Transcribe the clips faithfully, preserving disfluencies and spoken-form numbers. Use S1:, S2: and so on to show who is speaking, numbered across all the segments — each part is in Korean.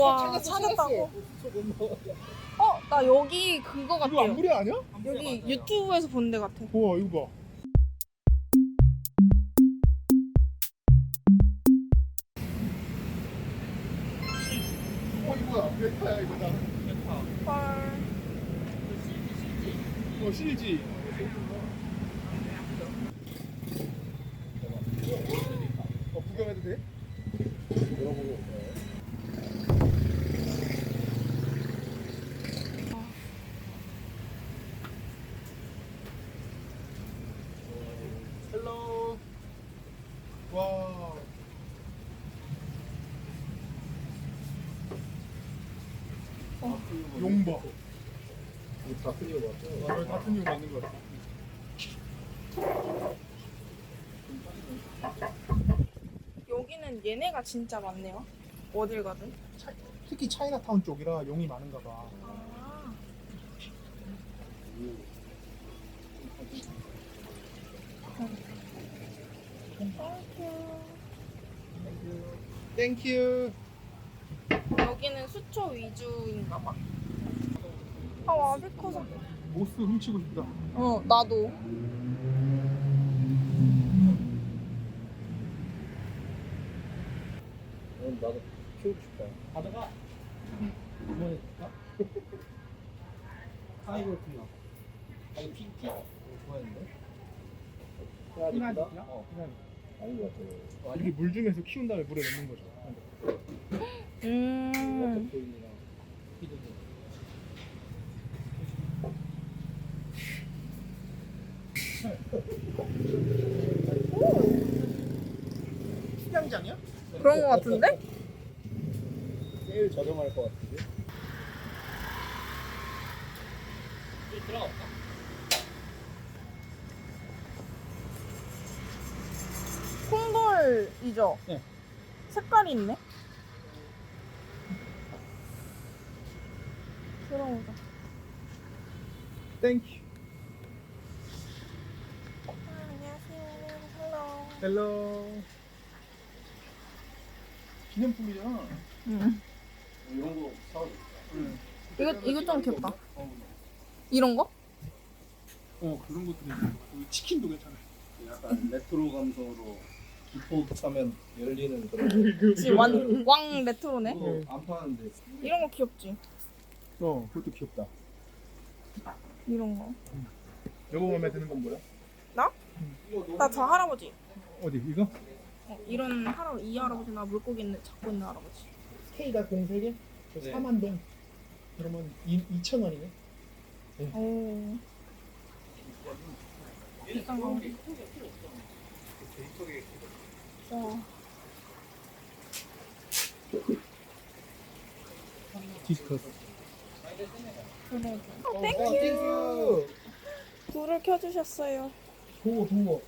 S1: 우와 찾았다고? 어? 나 여기 그거
S2: 이거
S1: 같아요.
S2: 안부리 아니야?
S1: 여기 유튜브에서 본 데 같아.
S2: 우와 이거 봐. 어 이거야 베타야 이거 나.
S1: 헐.
S2: 어 씨지. 어 구경해도 돼? 물어보고. 헬로. 와. 용봐.
S3: 같은 이유 맞죠?
S2: 아, 같은 이유 맞는 거 같아.
S1: 여기는 얘네가 진짜 많네요. 어딜 가든.
S2: 차, 특히 차이나타운 쪽이라 용이 많은가 봐.
S1: 아. 땡큐.
S2: 땡큐.
S1: 여기는 수초 위주인가 봐. 아 와비 커서.
S2: 모스 훔치고 싶다.
S1: 어 나도.
S3: 어, 나도 키우고 싶다. 가져가. 이번에 줄까? 아이고 그나. 아이 피 피. 좋아했는데.
S2: 피나니까?
S3: 어. 아닌 것 같아.
S2: 이렇게 물 중에서 키운 다음에 물에 넣는 거죠.
S1: 음.
S3: 보이니랑 피드도.
S2: 수영장이야?
S1: 그런 거 같은데?
S3: 제일 저렴할 것 같은데. 들어갈까?
S1: 콩돌이죠?
S2: 네.
S1: 색깔이 있네. 들어오자.
S2: 땡큐.
S1: 아, 안녕하세요. 헬로.
S2: 헬로. 기념품이잖아.
S1: 응.
S3: 이런 거 사오지.
S2: 응.
S1: 이거 이거 좀 귀엽다. 이런 거?
S2: 어 그런 것도 괜찮아. 여기 치킨도 괜찮아.
S3: 약간 레트로 감성으로 기포 차면 열리는 그런.
S1: 지금 완, 왕 레트로네.
S3: 거. 안 파는데.
S1: 이런 거 귀엽지?
S2: 어 그것도 귀엽다.
S1: 이런 거.
S2: 여보 마음에 드는 건 뭐야?
S1: 나? 나 저 할아버지.
S2: 어디 이거?
S1: 어, 이런 할아 이 할아버지나 물고기 있는 잡고 있는 할아버지.
S2: K가 공세 개?
S3: 네.
S2: 사만 동. 그러면 이천 원이네.
S1: 오. 비싼 거. 와.
S2: 디스커스.
S1: 그래.
S2: 어,
S1: 땡큐.
S2: 땡큐.
S1: 불을 켜주셨어요.
S2: 도어 도어.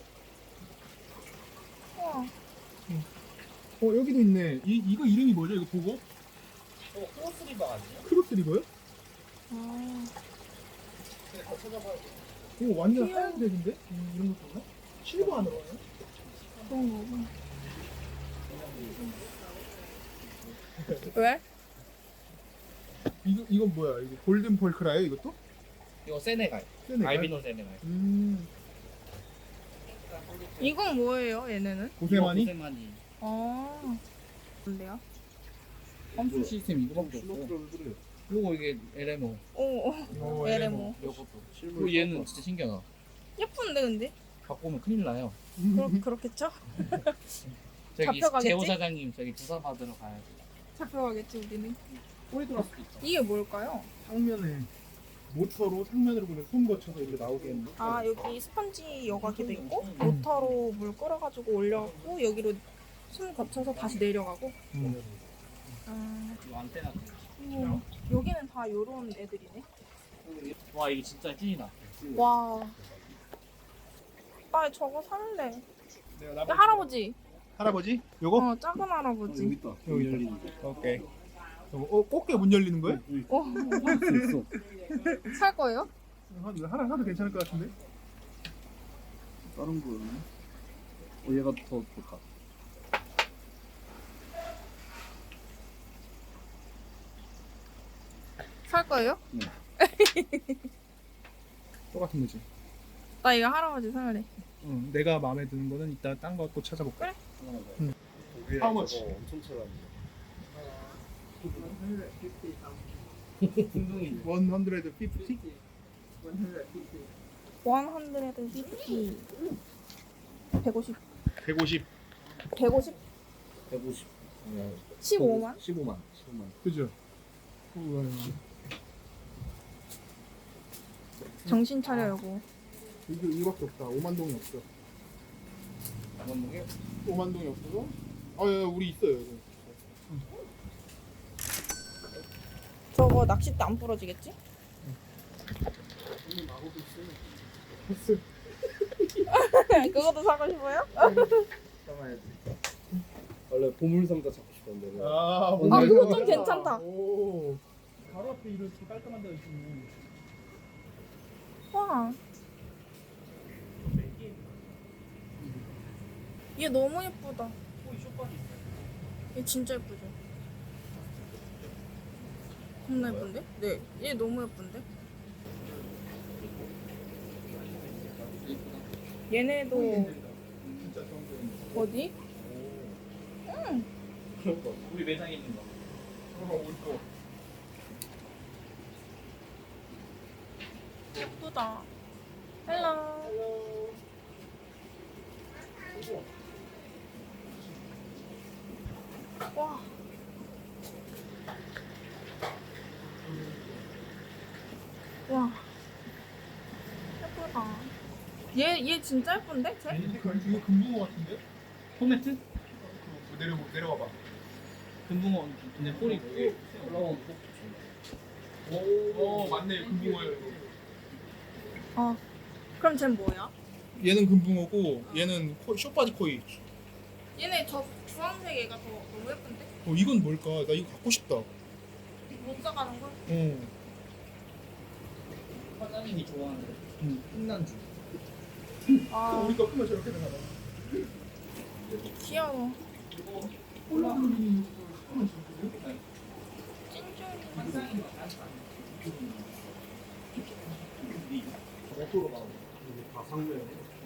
S1: 와.
S2: 어 여기도 있네. 이 이거 이름이 뭐죠? 이거 보고?
S3: 어, 크로스리버 아니에요?
S2: 크로스 리버요?
S1: 아.
S3: 다 찾아봐요.
S2: 오 완전
S1: 귀여워.
S2: 하얀색인데? 음, 이런 것도 있나? 실버 안으로 하네.
S1: 그런 거구나. 왜?
S2: 이거 이건 뭐야? 이거 골든 펄크라요? 이것도?
S3: 이거 세네갈.
S2: 세네갈?
S3: 알비노 세네갈.
S2: 음.
S1: 이건 뭐예요, 얘네는?
S2: 고세마니?
S3: 고세마니.
S1: 아. 뭔데요?
S3: 함수 시스템 이거밖에 없어. 요거 이게 엘엠오.
S1: 오, 오.
S2: 어,
S1: 에레모.
S3: 요것도. 그리고 얘는 진짜 신기하다.
S1: 예쁜데, 근데?
S3: 갖고 오면 큰일 나요.
S1: 그렇, 그렇겠죠?
S3: 저기
S1: 잡혀가겠지?
S3: 재호 사장님 저기 조사 받으러 가야지.
S1: 잡혀가겠지, 우리는.
S3: 꼬리 돌았을 수도 있다.
S1: 이게 뭘까요?
S2: 상면에 모터로 상면으로 그냥 손 거쳐서 이렇게 나오게 했는데.
S1: 아, 여기 스펀지 여과기도 있고, 모터로 물 끌어가지고 올려갖고, 여기로 숨 거쳐서 다시 내려가고.
S2: 음.
S1: 아,
S3: 이거 안테나.
S1: 음, 여기는 다 요런 애들이네.
S3: 와 이게 진짜 찐이다.
S1: 와. 나 저거 살래.
S2: 내가
S1: 야,
S2: 나머지-
S1: 할아버지.
S2: 할아버지? 요거?
S1: 어, 작은 할아버지.
S3: 있다.
S2: 여기 열리는 거. 오케이. 요거, 어, 꽃게 문 열리는 거야?
S1: 어,
S3: 있어.
S1: 살 거예요?
S2: 하나 하나 사도 괜찮을 것 같은데?
S3: 다른 거는? 어 얘가 더 좋다.
S1: 거예요?
S2: 똑같은 거지.
S1: 나 이거 할아버지 살래.
S2: 응, 내가 마음에 드는 거는 이따 딴 거 또 찾아볼까?
S1: 그래.
S2: 응.
S4: 독일
S2: How much?
S4: 저거 엄청 쳐다보네.
S3: 운동이
S2: 백오십?
S1: 백오십.
S2: 백오십.
S1: 백오십?
S4: 백오십. 어,
S1: 십오만?
S4: 십오만. 십오만.
S2: 그죠? 우와.
S1: 정신 차려 여보.
S2: 이거 이거밖에 없다. 오만 동이 없어.
S3: 운동이
S2: 오만 동이 없어서? 아, 야, 우리 있어요. 이거.
S1: 저거 낚싯대 안 부러지겠지?
S2: 패스.
S1: 그것도 사고 싶어요?
S4: 참아야지. 원래 보물상자 잡고 싶었는데.
S2: 아,
S1: 아
S2: 오늘
S1: 그거
S2: 이거-
S1: 좀 괜찮다.
S2: 오. 바로 앞에 이렇게 깔끔한 데가 있네.
S1: 와. 얘 너무 예쁘다. 얘 진짜 예쁘죠? 겁나 예쁜데? 네. 얘 너무 예쁜데? 얘네도 어디? 응.
S3: 우리 매장에 있는 거.
S2: 어, 올 거.
S1: 예쁘다. 헬로. 와. 와. 예쁘다. 얘, 얘 진짜 예쁜데? 쟤?
S2: 이거 금붕어 같은데?
S3: 포매트?
S2: 그, 내려 내려와 봐.
S3: 금붕어 근데 꼬리 꽤 올라오는 거.
S2: 오, 맞네. 금붕어예요. 이거.
S1: 어. 그럼 쟤 뭐야?
S2: 얘는 금붕어고 얘는 코, 쇼바디 코이.
S1: 얘네 저 주황색 얘가 더 너무 예쁜데?
S2: 어, 이건 뭘까? 나 이거 갖고 싶다. 어.
S1: 못 사가는 걸?
S3: 사장님이 좋아하는
S2: 응.
S3: 흑난주.
S1: 아,
S2: 우리 거 크면 저렇게 되나 봐.
S1: 귀여워.
S2: 음.
S1: 찐쫀이.
S4: 맥도로 나오네. 다 상면.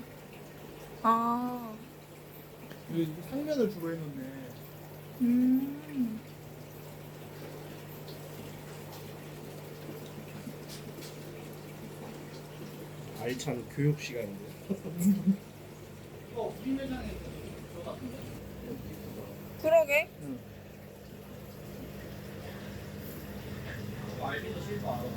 S1: 아,
S2: 여기 상면을 주로 해놓네.
S1: 음.
S4: 알찬 교육 시간인데.
S3: 이거 우리 매장에 저거 같은데?
S1: 그러게.
S3: 이거 알비노 실버 알아.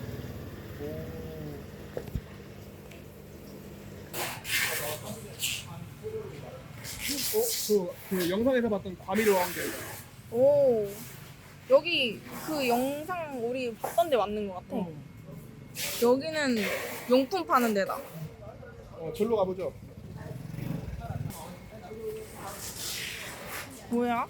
S2: 어? 그, 그 영상에서 봤던 과미료 왕개.
S1: 오. 여기 그 영상 우리 봤던 데 맞는 것 같아. 여기는 용품 파는 데다.
S2: 어, 절로 가보죠.
S1: 뭐야?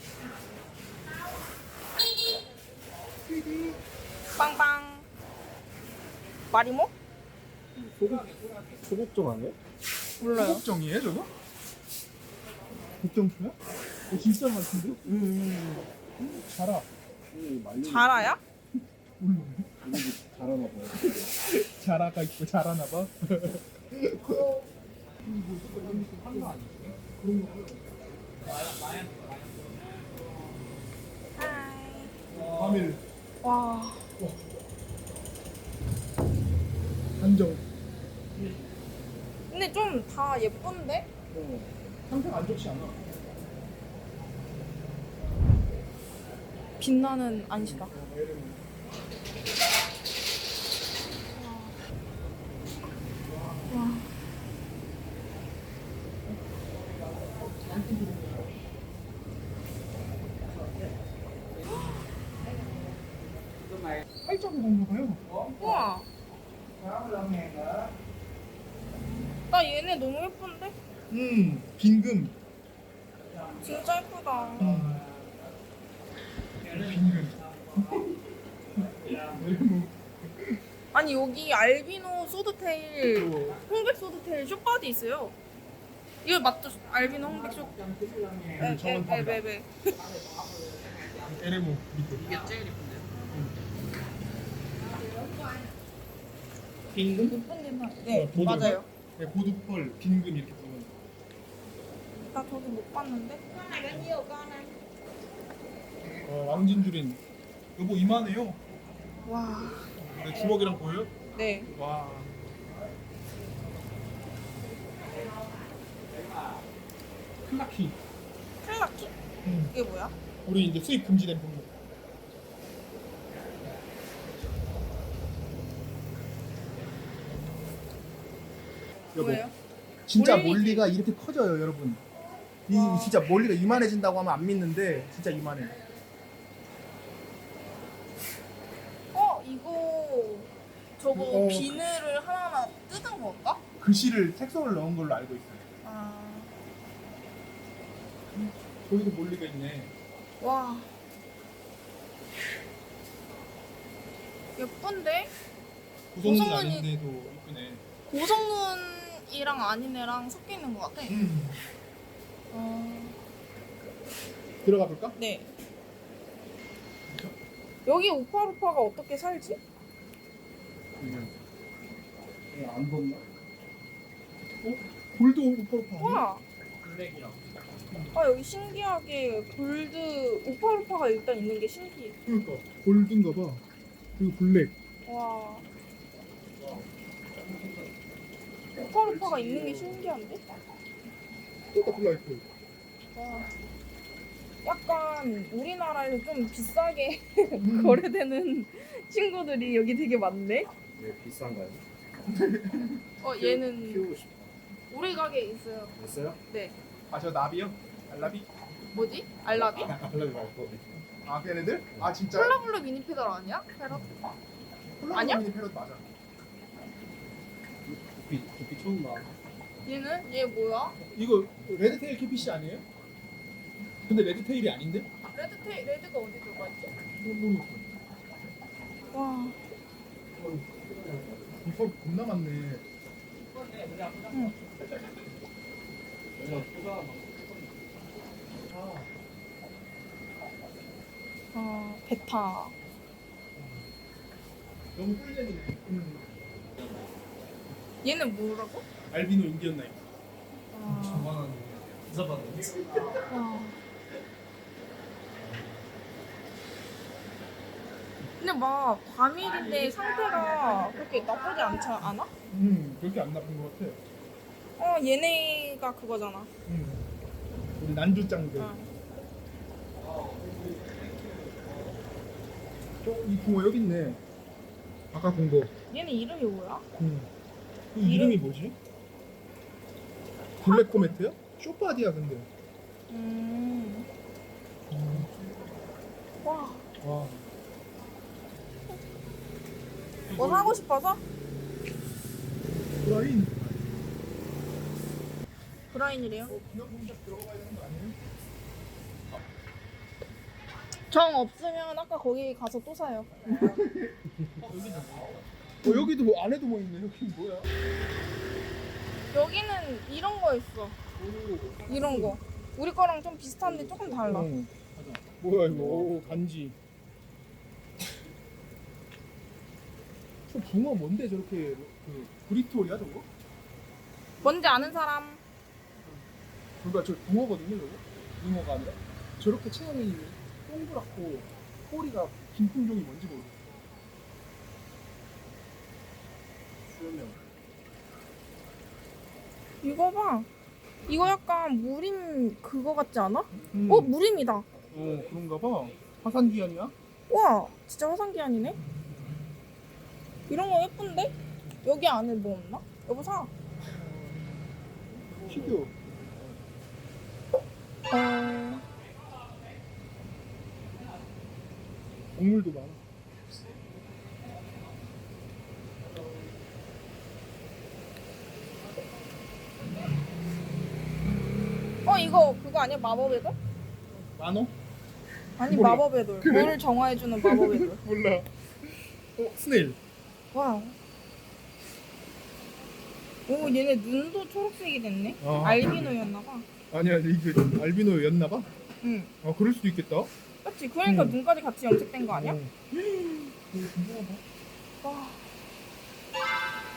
S1: 빵빵. 마리모?
S4: 소국 소국종 아니야?
S1: 몰라요.
S2: 국정이에요 저거? 국정표야? 어, 진짜 같은데? 음. 자라.
S1: 자라야?
S4: 잘하나 봐요.
S2: 자라가 있고 자라나 봐.
S1: 하이.
S2: 과밀
S1: 와.
S2: 한정.
S1: 근데 좀 다 예쁜데?
S2: 상태가 안 좋지 않아.
S1: 빛나는 안시다. 와.
S2: 팔자고 건가 봐요.
S1: 우와. 나 얘네 너무 예쁜데?
S2: 음, 빈금.
S1: 진짜 예쁘다.
S2: 음. 빈금.
S1: 아니 여기 알비노 소드테일,
S2: 또
S1: 홍백 소드테일 쇼바디 있어요. 이거 맞죠? 알비노 홍백 쇼. 에, 에, 에, 에, 에.
S2: 에레모 밑에.
S3: 이게 제일 예쁜데.
S2: 빈금?
S1: 못 본 데는 네
S2: 어, 보드인가?
S1: 맞아요.
S2: 네, 보드펄, 빈금 이렇게 부르는.
S1: 나 저기 못 봤는데.
S2: 어, 왕진주린. 여보 이만해요.
S1: 와.
S2: 내 주먹이랑 보여요?
S1: 네.
S2: 와. 클라키.
S1: 클라키?
S2: 응.
S1: 이게 뭐야?
S2: 우리 이제 수입 금지된 품목. 여보,
S1: 뭐예요?
S5: 진짜
S1: 몰리지.
S5: 몰리가 이렇게 커져요, 여러분. 이
S1: 와.
S5: 진짜 몰리가 이만해진다고 하면 안 믿는데 진짜 이만해.
S1: 어 이거 저거
S5: 어.
S1: 비늘을 하나하나 뜯은 건가?
S5: 글씨를 색소를 넣은 걸로 알고 있어요.
S1: 아.
S2: 저기도 몰리가 있네.
S1: 와. 예쁜데?
S2: 고성은
S1: 고성은이-
S2: 아닌데도 이쁘네.
S1: 고성눈이랑 아닌 애랑 섞여 있는 것 같아.
S2: 음.
S1: 어.
S2: 들어가 볼까?
S1: 네. 여기 우파루파가 어떻게 살지?
S5: 안 덥나?
S2: 골드 오퍼로파.
S1: 와.
S3: 블랙이랑.
S1: 아 여기 신기하게 골드 우파루파가 일단 있는 게 신기해.
S2: 그러니까 골드인가 봐. 그리고 블랙.
S1: 와. 우파루파가 있는 게 신기한데?
S2: 똑같은 라이프.
S1: 와. 약간 우리나라에서 좀 비싸게 거래되는 친구들이 여기 되게 많네.
S4: 왜 비싼가요?
S1: 어 얘는
S4: 키우고 싶어.
S1: 우리 가게에 있어요.
S4: 있어요?
S1: 네.
S5: 아, 저 나비요? 알라비?
S1: 뭐지? 알라비?
S4: 알라비 말고.
S5: 아, 걔네들? 아, 진짜?
S1: 콜라블루 미니 페달 아니야? 페럿? 아니야?
S5: 콜라보미니 패럿 맞아.
S4: 두피 두피 처음 봐.
S1: 얘는? 얘 뭐야?
S2: 이거 레드테일 캐피시 아니에요? 근데 레드테일이 아닌데?
S1: 레드테 레드가 어디 들어가 있지?
S2: 모르겠어.
S1: 와.
S5: 이거 겁나 많네.
S1: 응. 아 베타.
S2: 너무 꿀잼이네.
S1: 얘는 뭐라고?
S2: 알비노 인디언 나이프.
S1: 아.
S4: 천만원 비싸 받는.
S1: 와. 근데 막 과밀인데 상태가 그렇게 나쁘지 않지 않아?
S2: 음, 그렇게 안 나쁜 것 같아.
S1: 어 얘네가 그거잖아.
S2: 음. 우리 난주짱들.
S1: 어.
S2: 어, 이 붕어 여기 있네. 아까 본 거.
S1: 얘네 이름이 뭐야?
S2: 음. 그 이름이 뭐지? 블랙 코메트야? 쇼파디야 근데.
S1: 음. 와.
S2: 와.
S1: 뭐 사고 싶어서?
S2: 브라인.
S1: 브라인이래요.
S2: 어, 기념품샵 들어가야 되는 거 아니에요?
S1: 정 없으면 아까 거기 가서 또 사요.
S2: 어, 여기도 뭐 안에도 뭐 있네. 여기 뭐야?
S1: 여기는 이런 거 있어. 이런 거. 우리 거랑 좀 비슷한데 조금 달라.
S2: 어. 뭐야 이거? 오, 간지. 저 붕어 뭔데 저렇게 그 브리톨이야 저거?
S1: 뭔지 아는 사람?
S2: 그러니까 저 붕어거든요 저거? 붕어가 아니라 저렇게 체형이 동그랗고 꼬리가 긴 품종이 뭔지 모르겠어. 수염이
S1: 이거 봐. 이거 약간 무림 그거 같지 않아?
S2: 음.
S1: 어 무림이다.
S2: 어 그런가 봐. 화산귀환이야?
S1: 와 진짜 화산기한이네. 이런 거 예쁜데? 여기 안에 뭐 없나? 여보 사.
S2: 피규어.
S1: 어...
S2: 동물도 많아.
S1: 어 이거 그거 아니야 마법의 돌?
S2: 만호?
S1: 아니
S2: 몰라.
S1: 마법의 돌.
S2: 그래?
S1: 물을 정화해주는 마법의 돌.
S2: 몰라. 어 스네일.
S1: 와우. 오 얘네 눈도 초록색이 됐네.
S2: 아.
S1: 알비노였나봐.
S2: 아니야 이게 알비노였나봐.
S1: 응.
S2: 아 그럴 수도 있겠다.
S1: 그렇지. 그러니까
S2: 응.
S1: 눈까지 같이 염색된 거 아니야?
S2: 어. 이거 궁금하다.
S1: 와.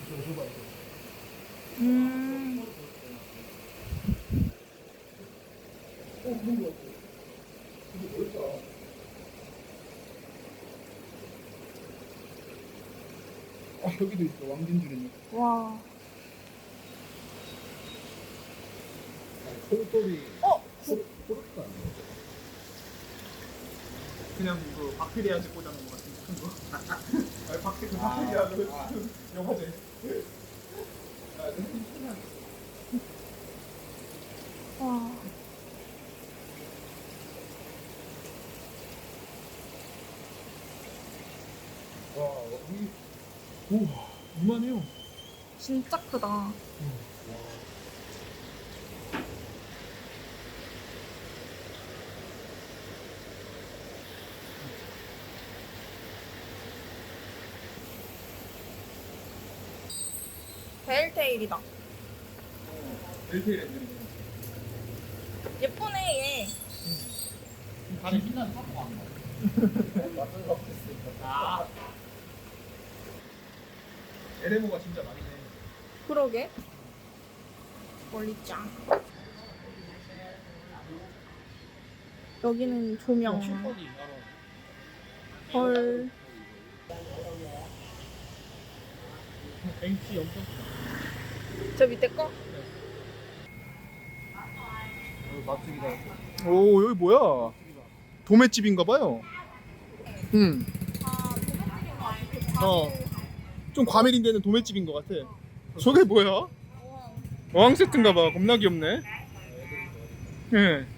S2: 저거 저거 봐 이거.
S1: 음.
S2: 어 그런 거 같아. 이게 뭐였다. 아 여기도 있어 왕진주는.
S1: 와.
S4: 콩돌이
S1: 어?
S4: 포르투가 아니에요?
S2: 그냥 그 박테리아즈 꽂아놓은 거 같은 큰 거. 아니 박테 그 박테리아즈
S4: 아.
S2: 영화제.
S1: 와.
S2: 와 여기 우와 이만해요.
S1: 진짜 크다. 벨테일이다.
S2: 벨테일 엔들이.
S1: 예쁘네 얘.
S3: 다른 신난 타고 안 가. 아,
S2: 에레모가 진짜 많이네.
S1: 그러게. 멀리짱. 여기는 조명.
S3: 칠번이
S1: 헐.
S3: 벤치 엄청
S1: 저 밑에 거?
S3: 맛집이다.
S2: 오 여기 뭐야? 도매집인가 봐요. 응.
S1: 아, 도매집인 것 같아.
S2: 어. 좀 과메린데는 도매집인 것 같아. 저게 뭐야? 어항 세트인가 봐. 겁나 귀엽네. 예.